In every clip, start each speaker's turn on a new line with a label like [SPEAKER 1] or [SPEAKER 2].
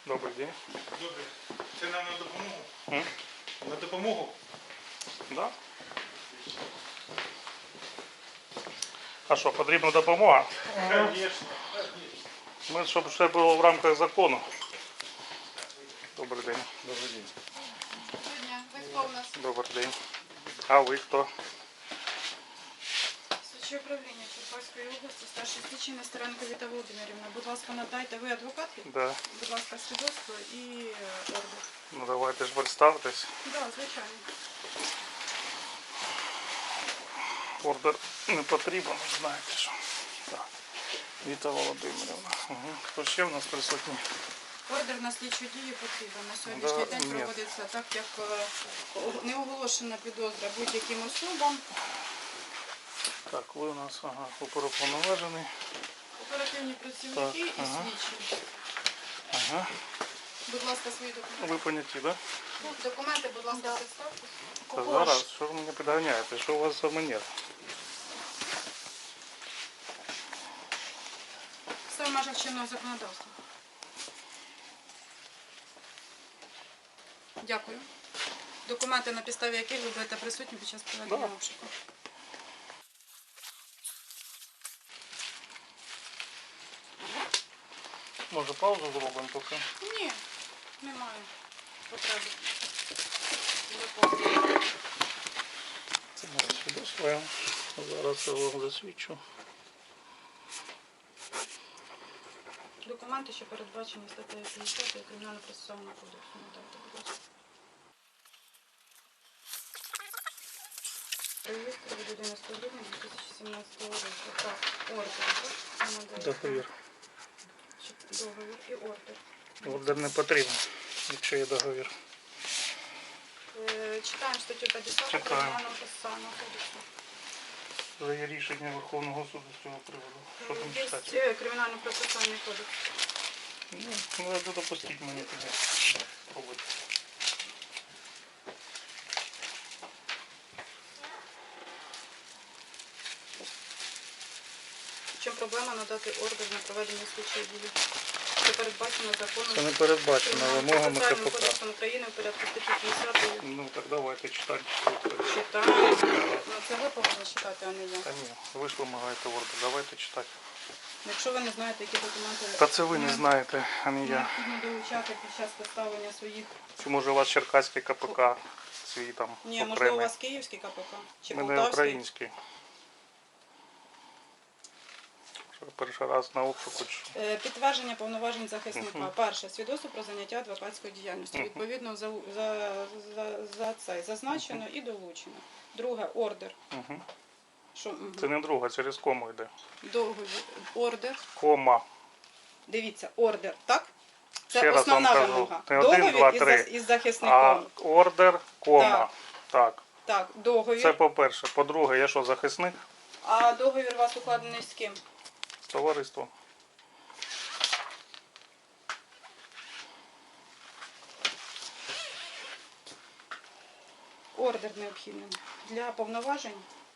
[SPEAKER 1] Добрий день.
[SPEAKER 2] Добре. Це нам на допомогу?
[SPEAKER 1] М?
[SPEAKER 2] На допомогу?
[SPEAKER 1] Да? А що, потрібна допомога?
[SPEAKER 2] Звісно.
[SPEAKER 1] Ми, щоб все було в рамках закону. Добрий день.
[SPEAKER 2] Добрий день.
[SPEAKER 3] Ви хто у нас?
[SPEAKER 1] Добрий день. А ви хто?
[SPEAKER 3] Слідче управління Черкаської області, старший слідчий Нестеренко Віта Володимирівна. Будь ласка, надайте. Ви адвокат?
[SPEAKER 1] Да.
[SPEAKER 3] Будь ласка, свідоцтво і ордер.
[SPEAKER 1] Ну давайте ж представтесь.
[SPEAKER 3] Так, да, звичайно.
[SPEAKER 1] Ордер не потрібен, знаєте що. Так. Віта Володимирівна. Угу. Хто ще в нас присутній?
[SPEAKER 3] Ордер на слідчу дію потрібен. На сьогоднішній
[SPEAKER 1] Да,
[SPEAKER 3] день
[SPEAKER 1] ні.
[SPEAKER 3] проводиться так, як не оголошена підозра будь-яким особам.
[SPEAKER 1] Так, ви у нас оперуповноважений.
[SPEAKER 3] Оперативні працівники
[SPEAKER 1] Так,
[SPEAKER 3] і
[SPEAKER 1] ага.
[SPEAKER 3] слідчі.
[SPEAKER 1] Ага.
[SPEAKER 3] Будь ласка, свої документи.
[SPEAKER 1] Ви поняті, так? Да?
[SPEAKER 3] Документи, будь ласка, представтесь.
[SPEAKER 1] Та зараз, що ви мене підганяєте? Що у вас за манер?
[SPEAKER 3] Все в межах чинного законодавства. Дякую. Документи, на підставі яких ви будете присутні під час проведення
[SPEAKER 1] Да.
[SPEAKER 3] обшуку.
[SPEAKER 1] Може паузу зробимо поки?
[SPEAKER 3] Ні, немає потреби. Запомню.
[SPEAKER 1] Це моє свідоцтво. Я зараз його засвідчу.
[SPEAKER 3] Документи, що передбачені статтею 50 Кримінально-процесуального кодексу. Надайте, будь ласка. Реєстр від 11 грудня 2017 року. Так, ордер.
[SPEAKER 1] Договір.
[SPEAKER 3] Договір і ордер.
[SPEAKER 1] Ордер не потрібен, якщо є договір.
[SPEAKER 3] Читаємо статтю 50
[SPEAKER 1] Читаємо.
[SPEAKER 3] Кримінально-процесуального кодексу.
[SPEAKER 1] Вже є рішення Верховного суду з цього приводу. Що там
[SPEAKER 3] Є
[SPEAKER 1] читати?
[SPEAKER 3] Кримінально-процесуальний кодекс.
[SPEAKER 1] Ну, це допустіть мені тоді. Пробуйте.
[SPEAKER 3] В чому проблема надати ордер на проведення слідчої дії? Це передбачено законом.
[SPEAKER 1] Це не передбачено вимогами
[SPEAKER 3] Процесуальним
[SPEAKER 1] КПК.
[SPEAKER 3] кодексом України в порядку статті 50.
[SPEAKER 1] Ну так давайте читати.
[SPEAKER 3] Читаємо. Ну, це ви повинні читати, а не я.
[SPEAKER 1] Та ні, ви ж вимагаєте ордер, давайте читати.
[SPEAKER 3] Якщо ви не знаєте, які документи
[SPEAKER 1] Та це ви не знаєте, а не я.
[SPEAKER 3] необхідно долучати під час поставлення своїх...
[SPEAKER 1] Чи може у вас черкаський КПК свій там
[SPEAKER 3] Ні, можливо, у
[SPEAKER 1] окремий?
[SPEAKER 3] вас київський КПК? Чи
[SPEAKER 1] У мене
[SPEAKER 3] полтавський?
[SPEAKER 1] український. Що, перший раз на обшуку.
[SPEAKER 3] Підтвердження повноважень захисника. Перше, свідоцтво про заняття адвокатською діяльністю. Відповідно, за це зазначено і долучено. Друге, ордер.
[SPEAKER 1] Угу.
[SPEAKER 3] Що,
[SPEAKER 1] Це не друга, через кому йде.
[SPEAKER 3] договір, ордер.
[SPEAKER 1] Кома.
[SPEAKER 3] Дивіться, ордер, так? Це
[SPEAKER 1] Ще раз вам
[SPEAKER 3] основна
[SPEAKER 1] кажу.
[SPEAKER 3] вимога.
[SPEAKER 1] Не один, два,
[SPEAKER 3] Договір
[SPEAKER 1] три.
[SPEAKER 3] із
[SPEAKER 1] А
[SPEAKER 3] захисником.
[SPEAKER 1] ордер, кома. Так.
[SPEAKER 3] Так, договір.
[SPEAKER 1] Це по-перше. По-друге, я що, захисник?
[SPEAKER 3] А договір у вас укладений з ким?
[SPEAKER 1] Товариство.
[SPEAKER 3] Ордер необхідний для повноважень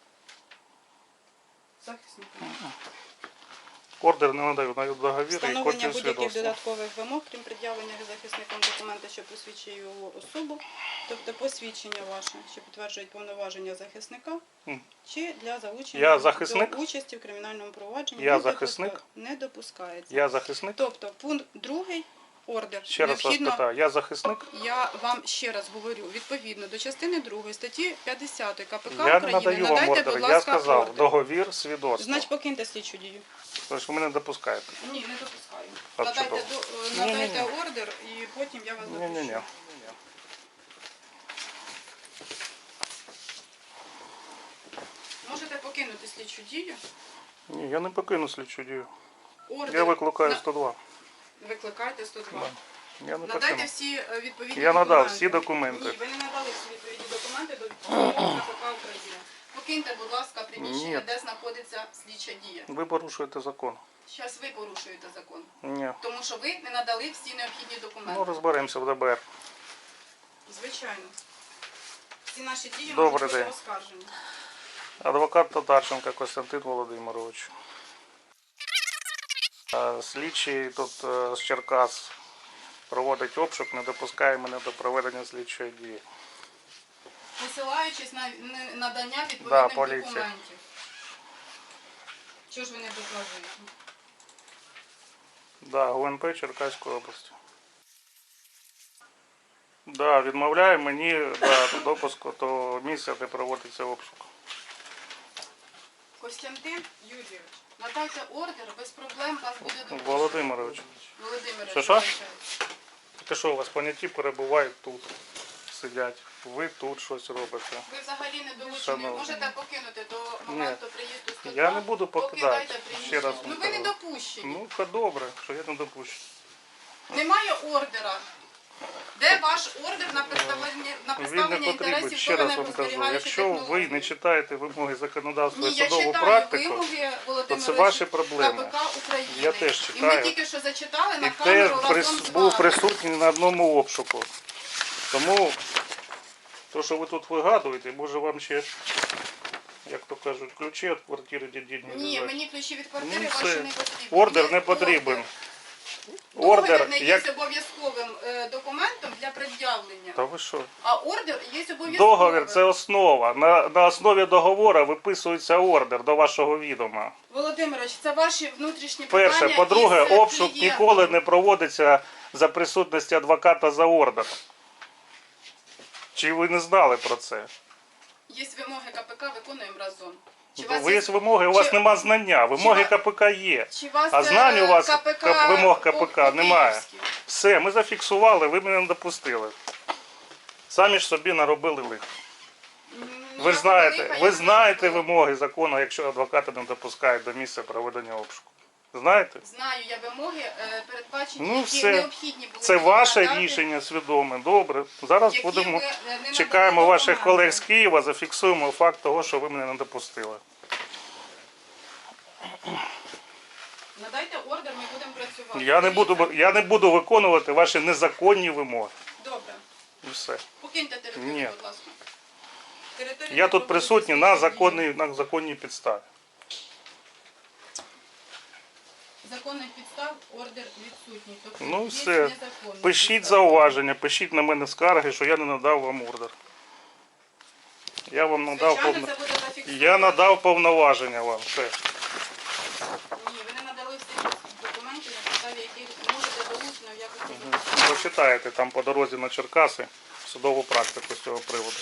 [SPEAKER 3] захисника.
[SPEAKER 1] Ордер не надаю, навіть договір і
[SPEAKER 3] Встановлення
[SPEAKER 1] копію
[SPEAKER 3] будь-яких
[SPEAKER 1] свідоцтва.
[SPEAKER 3] додаткових вимог, крім пред'явлення захисником документа, що посвідчує його особу, тобто посвідчення ваше, що підтверджують повноваження захисника,
[SPEAKER 1] Мгм.
[SPEAKER 3] чи для
[SPEAKER 1] Я
[SPEAKER 3] залучення
[SPEAKER 1] захисник?
[SPEAKER 3] до участі в кримінальному провадженні
[SPEAKER 1] Я захисник?
[SPEAKER 3] не допускається.
[SPEAKER 1] Я захисник?
[SPEAKER 3] Тобто пункт 2 ордер
[SPEAKER 1] Ще раз вас питаю, я захисник?
[SPEAKER 3] Я вам ще раз говорю, відповідно до частини 2 статті 50 КПК
[SPEAKER 1] Я не
[SPEAKER 3] України,
[SPEAKER 1] надаю вам
[SPEAKER 3] надайте,
[SPEAKER 1] ордер,
[SPEAKER 3] будь
[SPEAKER 1] я
[SPEAKER 3] ласка,
[SPEAKER 1] сказав,
[SPEAKER 3] ордер.
[SPEAKER 1] договір, свідоцтво.
[SPEAKER 3] Значить, покиньте слідчу дію.
[SPEAKER 1] Тож ви мене допускаєте.
[SPEAKER 3] Ні, не допускаю.
[SPEAKER 1] А
[SPEAKER 3] Надайте,
[SPEAKER 1] чудово.
[SPEAKER 3] надайте
[SPEAKER 1] Ні-ні-ні.
[SPEAKER 3] ордер і потім я вас допущу.
[SPEAKER 1] Ні-ні-ні.
[SPEAKER 3] Можете покинути слідчу дію.
[SPEAKER 1] Ні, я не покину слідчу дію.
[SPEAKER 3] Ордер
[SPEAKER 1] Я викликаю
[SPEAKER 3] на-
[SPEAKER 1] 102.
[SPEAKER 3] Викликайте 102.
[SPEAKER 1] Я не
[SPEAKER 3] Надайте
[SPEAKER 1] покину.
[SPEAKER 3] всі відповідні
[SPEAKER 1] Я
[SPEAKER 3] документи.
[SPEAKER 1] надав всі документи.
[SPEAKER 3] Ні, ви не надали всі відповідні документи до відповідного КПК України. Покиньте, будь ласка, приміщення,
[SPEAKER 1] Ні.
[SPEAKER 3] де знаходиться слідча дія.
[SPEAKER 1] Ви порушуєте закон.
[SPEAKER 3] Зараз ви порушуєте закон.
[SPEAKER 1] Ні.
[SPEAKER 3] Тому що ви не надали всі необхідні документи.
[SPEAKER 1] Ну розберемося в ДБР.
[SPEAKER 3] Звичайно. Всі наші дії
[SPEAKER 1] Добрий
[SPEAKER 3] можуть бути
[SPEAKER 1] день.
[SPEAKER 3] оскаржені.
[SPEAKER 1] Адвокат Татарченко Костянтин Володимирович. Слідчий тут з Черкас проводить обшук, не допускає мене до проведення слідчої дії.
[SPEAKER 3] Посилаючись на надання
[SPEAKER 1] Да,
[SPEAKER 3] відповідних
[SPEAKER 1] поліція.
[SPEAKER 3] документів. Чого ж ви не докладуєте?
[SPEAKER 1] Да, ГУНП Черкаської області. Да, відмовляє мені допуску до місця, де проводиться обшук.
[SPEAKER 3] Костянтин Юрійович, надайте ордер, без проблем вас буде допущено.
[SPEAKER 1] Володимирович,
[SPEAKER 3] Володимирович,
[SPEAKER 1] Що?
[SPEAKER 3] вибачайте.
[SPEAKER 1] ти що, у вас поняті перебувають тут, сидять. Ви тут щось робите.
[SPEAKER 3] Ви взагалі не долучені.
[SPEAKER 1] Шановні.
[SPEAKER 3] Можете покинути до моменту приїзду 102.
[SPEAKER 1] Я не буду покидати.
[SPEAKER 3] Покидайте
[SPEAKER 1] Ще
[SPEAKER 3] приміщення.
[SPEAKER 1] раз
[SPEAKER 3] Ну
[SPEAKER 1] вам
[SPEAKER 3] ви не
[SPEAKER 1] кажу.
[SPEAKER 3] допущені.
[SPEAKER 1] Ну, то добре, що я не допущу.
[SPEAKER 3] Немає ордера. Де ваш ордер на
[SPEAKER 1] Він
[SPEAKER 3] представлення
[SPEAKER 1] не потрібен.
[SPEAKER 3] інтересів
[SPEAKER 1] Ще раз вам кажу,
[SPEAKER 3] паливно-зберігаючої
[SPEAKER 1] якщо ви
[SPEAKER 3] технології?
[SPEAKER 1] не читаєте вимоги законодавства
[SPEAKER 3] Ні,
[SPEAKER 1] і
[SPEAKER 3] я
[SPEAKER 1] судову
[SPEAKER 3] читаю
[SPEAKER 1] практику,
[SPEAKER 3] вимоги, Володимир
[SPEAKER 1] це ваші проблеми.
[SPEAKER 3] КПК України.
[SPEAKER 1] Я теж
[SPEAKER 3] І
[SPEAKER 1] читаю.
[SPEAKER 3] ми тільки що зачитали на
[SPEAKER 1] і
[SPEAKER 3] камеру
[SPEAKER 1] теж
[SPEAKER 3] разом з
[SPEAKER 1] був
[SPEAKER 3] вами.
[SPEAKER 1] присутній на одному обшуку. Тому, то, що ви тут вигадуєте, може вам ще, як то кажуть, ключі від квартири дідні.
[SPEAKER 3] Ні, мені ключі від квартири
[SPEAKER 1] Ну,
[SPEAKER 3] ваші
[SPEAKER 1] все.
[SPEAKER 3] не потрібні.
[SPEAKER 1] Ордер
[SPEAKER 3] Є
[SPEAKER 1] не потрібен.
[SPEAKER 3] Договір
[SPEAKER 1] Ордер,
[SPEAKER 3] не є
[SPEAKER 1] як...
[SPEAKER 3] обов'язковим документом для пред'явлення.
[SPEAKER 1] Та ви що?
[SPEAKER 3] А ордер є обов'язковим.
[SPEAKER 1] Договір – це основа. На основі договору виписується ордер до вашого відома.
[SPEAKER 3] Володимирович, це ваші внутрішні
[SPEAKER 1] Перше.
[SPEAKER 3] питання.
[SPEAKER 1] По-друге,
[SPEAKER 3] із
[SPEAKER 1] обшук
[SPEAKER 3] клієнтом.
[SPEAKER 1] ніколи не проводиться за присутності адвоката за ордером. Чи ви не знали про це?
[SPEAKER 3] Є вимоги КПК, виконуємо разом.
[SPEAKER 1] Ви є вимоги, у вас
[SPEAKER 3] чи-
[SPEAKER 1] нема знання. Вимоги
[SPEAKER 3] чи-
[SPEAKER 1] КПК є.
[SPEAKER 3] Чи вас
[SPEAKER 1] А знань у вас
[SPEAKER 3] КПК,
[SPEAKER 1] вимог КПК немає.
[SPEAKER 3] по-київськи?
[SPEAKER 1] Все, ми зафіксували, ви мене не допустили. Самі ж собі наробили лихо. Ви ж знаєте, ви знаєте вимоги закону, якщо адвокати не допускають до місця проведення обшуку. Знаєте?
[SPEAKER 3] Знаю я вимоги, передбачені,
[SPEAKER 1] Ну,
[SPEAKER 3] які
[SPEAKER 1] все.
[SPEAKER 3] необхідні були.
[SPEAKER 1] Це
[SPEAKER 3] мені
[SPEAKER 1] ваше
[SPEAKER 3] надати,
[SPEAKER 1] рішення свідоме. Добре. Зараз
[SPEAKER 3] які
[SPEAKER 1] будемо
[SPEAKER 3] ви не надали
[SPEAKER 1] чекаємо ваших
[SPEAKER 3] документи.
[SPEAKER 1] колег з Києва, зафіксуємо факт того, що ви мене не допустили.
[SPEAKER 3] Надайте ордер, ми будемо працювати.
[SPEAKER 1] Я не буду виконувати ваші незаконні вимоги.
[SPEAKER 3] Добре.
[SPEAKER 1] І все.
[SPEAKER 3] Покиньте територію,
[SPEAKER 1] Ні.
[SPEAKER 3] будь ласка. Територію
[SPEAKER 1] Я тут
[SPEAKER 3] не
[SPEAKER 1] присутній на законній підставі.
[SPEAKER 3] законних підстав ордер відсутній. Тобто
[SPEAKER 1] Ну
[SPEAKER 3] є
[SPEAKER 1] все.
[SPEAKER 3] незаконні
[SPEAKER 1] Пишіть
[SPEAKER 3] підстави.
[SPEAKER 1] зауваження, пишіть на мене скарги, що я не надав вам ордер. Я вам надав
[SPEAKER 3] Звичайно, це буде зафіксовано.
[SPEAKER 1] Я надав повноваження вам. Все.
[SPEAKER 3] Ні, ви не надали всіх документів, на підставі яких можете долучено в якості доказу.
[SPEAKER 1] Прочитаєте там по дорозі на Черкаси судову практику з цього приводу.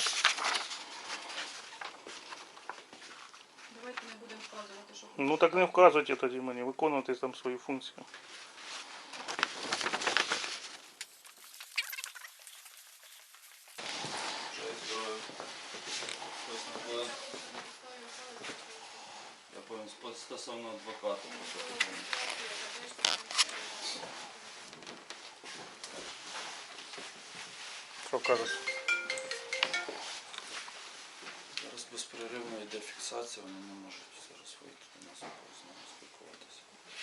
[SPEAKER 3] Давайте не будемо вказувати, що
[SPEAKER 1] Ну так не вказуйте тоді мені, виконуйте там свої функції.
[SPEAKER 4] Я повинен стосовно адвоката.
[SPEAKER 1] Що кажуть?
[SPEAKER 4] Зараз безперервно йде фіксація, вони не можуть зараз вийти до нас і з нами спілкуватися.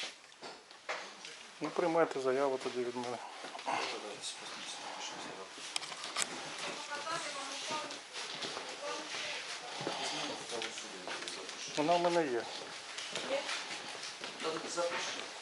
[SPEAKER 1] Ну приймайте заяву тоді від мене.
[SPEAKER 4] Зараз спустимося, напишемо заяву. Візьмемо фото суду, запишу.
[SPEAKER 1] Вона в мене є.
[SPEAKER 4] Та запиши.